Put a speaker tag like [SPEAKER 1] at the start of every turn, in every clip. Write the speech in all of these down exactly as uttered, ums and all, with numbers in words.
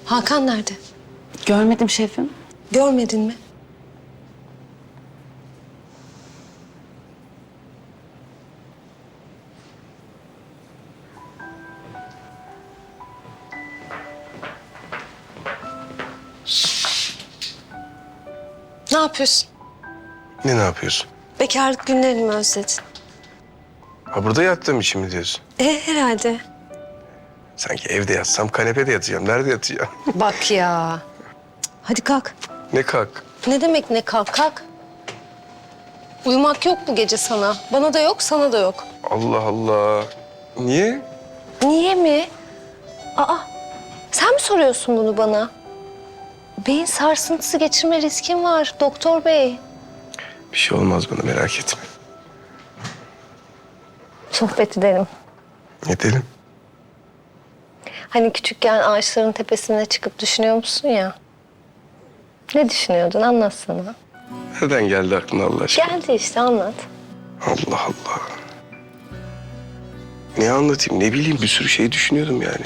[SPEAKER 1] Hakan nerede?
[SPEAKER 2] Görmedim şefim.
[SPEAKER 1] Görmedin mi? Ne yapıyorsun?
[SPEAKER 3] Ne ne yapıyorsun?
[SPEAKER 1] Bekarlık günlerini mi özledin?
[SPEAKER 3] Ha burada yattığım için mi diyorsun?
[SPEAKER 1] E herhalde.
[SPEAKER 3] Sanki evde yatsam kanepede yatacağım. Nerede yatacağım?
[SPEAKER 1] Bak ya. Hadi kalk.
[SPEAKER 3] Ne kalk.
[SPEAKER 1] Ne demek ne kalk kalk. Uyumak yok bu gece sana. Bana da yok, sana da yok.
[SPEAKER 3] Allah Allah. Niye?
[SPEAKER 1] Niye mi? Aa, sen mi soruyorsun bunu bana? Beyin sarsıntısı geçirme riskin var doktor bey.
[SPEAKER 3] Bir şey olmaz bana, merak etme.
[SPEAKER 1] Sohbet edelim.
[SPEAKER 3] Edelim.
[SPEAKER 1] Hani küçükken ağaçların tepesine çıkıp düşünüyor musun ya? Ne düşünüyordun anlatsana.
[SPEAKER 3] Nereden geldi aklına Allah aşkına?
[SPEAKER 1] Geldi işte anlat.
[SPEAKER 3] Allah Allah. Ne anlatayım, ne bileyim, bir sürü şey düşünüyordum yani.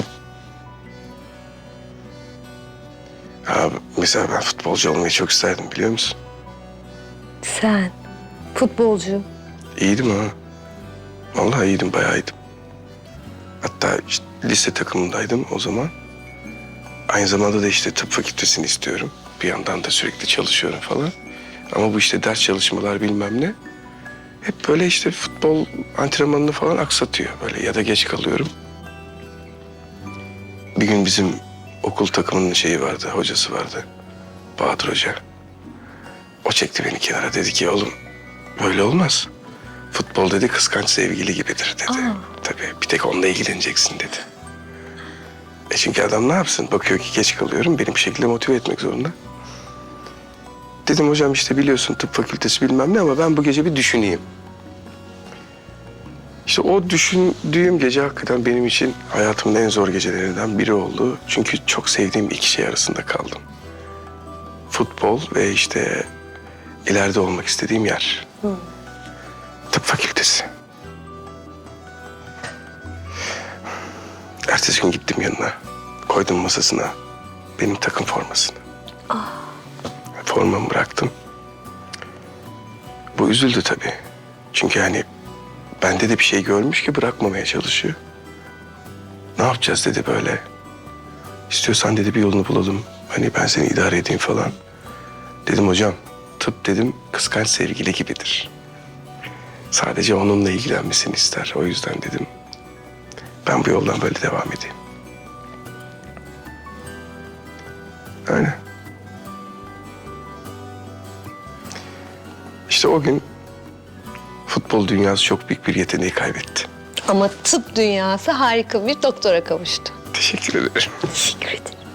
[SPEAKER 3] Ha, mesela ben futbolcu olmayı çok isterdim, biliyor musun?
[SPEAKER 1] Sen futbolcu.
[SPEAKER 3] İyiydim ha. Vallahi iyiydim, bayağı iyiydim. Hatta işte lise takımındaydım o zaman. Aynı zamanda da işte tıp fakültesini istiyorum. Bir yandan da sürekli çalışıyorum falan. Ama bu işte ders çalışmalar bilmem ne. Hep böyle işte futbol antrenmanını falan aksatıyor böyle, ya da geç kalıyorum. Bir gün bizim okul takımının şeyi vardı, hocası vardı. Bahadır Hoca. O çekti beni kenara, dedi ki oğlum böyle olmaz. Futbol dedi kıskanç sevgili gibidir dedi.
[SPEAKER 1] Aa.
[SPEAKER 3] Tabii bir tek onunla ilgileneceksin dedi. E çünkü adam ne yapsın? Bakıyor ki geç kalıyorum, beni bir şekilde motive etmek zorunda. Dedim hocam işte biliyorsun tıp fakültesi bilmem ne ama ben bu gece bir düşüneyim. İşte o düşündüğüm gece hakikaten benim için hayatımın en zor gecelerinden biri oldu. Çünkü çok sevdiğim iki şey arasında kaldım. Futbol ve işte ileride olmak istediğim yer.
[SPEAKER 1] Hı.
[SPEAKER 3] Tıp fakültesi. Ertesi gün gittim yanına. Koydum masasına benim takım formasını.
[SPEAKER 1] Ah.
[SPEAKER 3] Formamı bıraktım. Bu üzüldü tabii. Çünkü hani bende de bir şey görmüş ki bırakmamaya çalışıyor. Ne yapacağız dedi böyle. İstiyorsan dedi bir yolunu bulalım. Hani ben seni idare edeyim falan. Dedim hocam tıp dedim kıskanç sevgili gibidir. Sadece onunla ilgilenmesini ister. O yüzden dedim ben bu yoldan böyle devam edeyim. Aynen. İşte o gün futbol dünyası çok büyük bir yeteneği kaybetti.
[SPEAKER 1] Ama tıp dünyası harika bir doktora kavuştu.
[SPEAKER 3] Teşekkür ederim.
[SPEAKER 1] Teşekkür ederim.